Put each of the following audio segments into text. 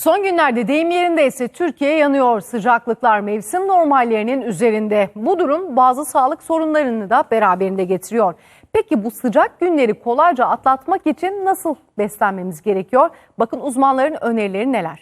Son günlerde deyim yerindeyse Türkiye yanıyor. Sıcaklıklar mevsim normallerinin üzerinde. Bu durum bazı sağlık sorunlarını da beraberinde getiriyor. Peki bu sıcak günleri kolayca atlatmak için nasıl beslenmemiz gerekiyor? Bakın uzmanların önerileri neler?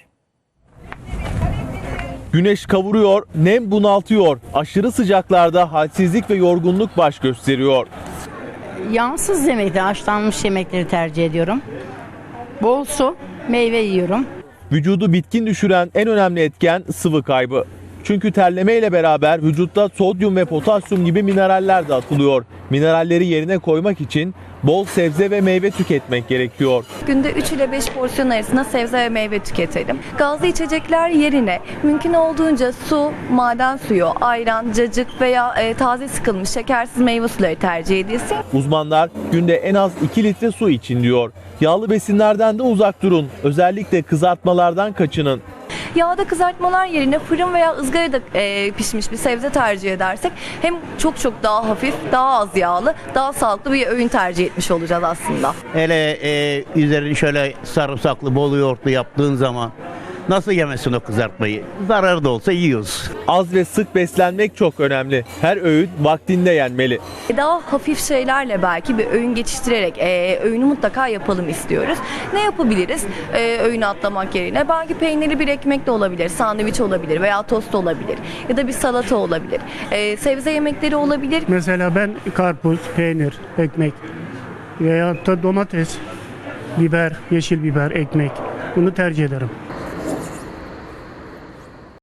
Güneş kavuruyor, nem bunaltıyor. Aşırı sıcaklarda halsizlik ve yorgunluk baş gösteriyor. Yağsız yemekleri, haşlanmış yemekleri tercih ediyorum. Bol su, meyve yiyorum. Vücudu bitkin düşüren en önemli etken sıvı kaybı. Çünkü terleme ile beraber vücutta sodyum ve potasyum gibi mineraller de atılıyor. Mineralleri yerine koymak için bol sebze ve meyve tüketmek gerekiyor. Günde 3 ile 5 porsiyon arasında sebze ve meyve tüketelim. Gazlı içecekler yerine mümkün olduğunca su, maden suyu, ayran, cacık veya taze sıkılmış şekersiz meyve suları tercih edilsin. Uzmanlar günde en az 2 litre su için diyor. Yağlı besinlerden de uzak durun. Özellikle kızartmalardan kaçının. Yağda kızartmalar yerine fırın veya ızgarada pişmiş bir sebze tercih edersek hem çok daha hafif, daha az yağlı, daha sağlıklı bir öğün tercih etmiş olacağız aslında. Hele üzerini şöyle sarımsaklı bol yoğurtlu yaptığın zaman nasıl yemesin o kızartmayı? Zararı da olsa yiyoruz. Az ve sık beslenmek çok önemli. Her öğün vaktinde yenmeli. Daha hafif şeylerle belki bir öğün geçiştirerek öğünü mutlaka yapalım istiyoruz. Ne yapabiliriz öğünü atlamak yerine? Belki peynirli bir ekmek de olabilir, sandviç olabilir veya tost olabilir ya da bir salata olabilir. Sebze yemekleri olabilir. Mesela ben karpuz, peynir, ekmek veya da domates, biber, yeşil biber, ekmek bunu tercih ederim.